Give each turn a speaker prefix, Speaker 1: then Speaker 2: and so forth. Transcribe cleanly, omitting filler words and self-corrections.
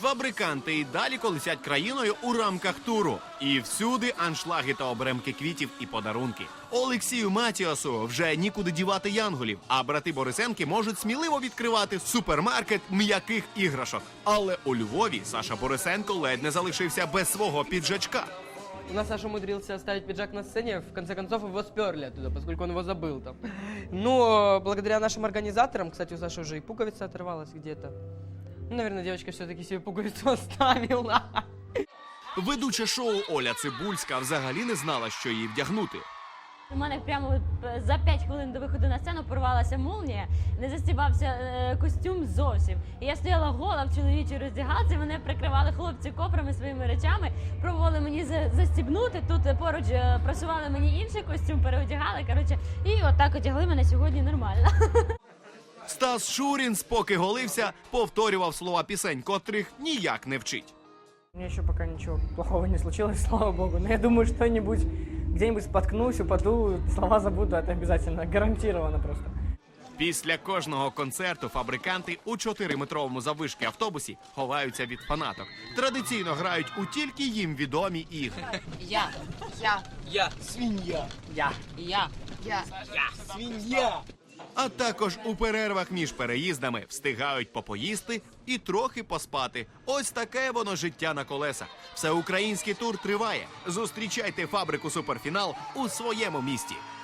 Speaker 1: Фабриканти і далі колесять країною у рамках туру. І всюди аншлаги та обремки квітів і подарунки. Олексію Матіасу вже нікуди дівати янголів, а брати Борисенки можуть сміливо відкривати супермаркет м'яких іграшок. Але у Львові Саша Борисенко ледь не залишився без свого піджачка.
Speaker 2: У нас Саша умудрился оставить пиджак на сцене, в конце концов его сперли оттуда, поскольку он его забыл там. Но благодаря нашим организаторам, кстати, у Саши уже и пуговица оторвалась где-то. Ну, наверное, девочка все-таки себе пуговицу оставила.
Speaker 1: Ведуча шоу Оля Цибульська взагалі не знала, що їй вдягнути.
Speaker 3: У мене прямо за 5 хвилин до виходу на сцену порвалася молнія, не застібався костюм зовсім. І я стояла гола в чоловічій роздягалці, мене прикривали хлопці кофрами своїми речами, пробували мені застібнути, тут поруч просували мені інший костюм, переодягали, коротше, і отак одягли мене сьогодні нормально.
Speaker 1: Стас Шурін, поки голився, повторював слова пісень, котрих ніяк не вчить.
Speaker 2: У меня еще пока ничего плохого не случилось, слава богу. Но я думаю, что-нибудь, где-нибудь споткнусь, упаду, слова забуду, это обязательно, гарантированно просто.
Speaker 1: Після кожного концерту фабриканти у 4-метровому заввишки автобусі ховаються від фанаток. Традиційно грають у тільки їм відомі ігри. А також у перервах між переїздами встигають попоїсти і трохи поспати. Ось таке воно життя на колесах. Всеукраїнський тур триває. Зустрічайте фабрику «Суперфінал» у своєму місті.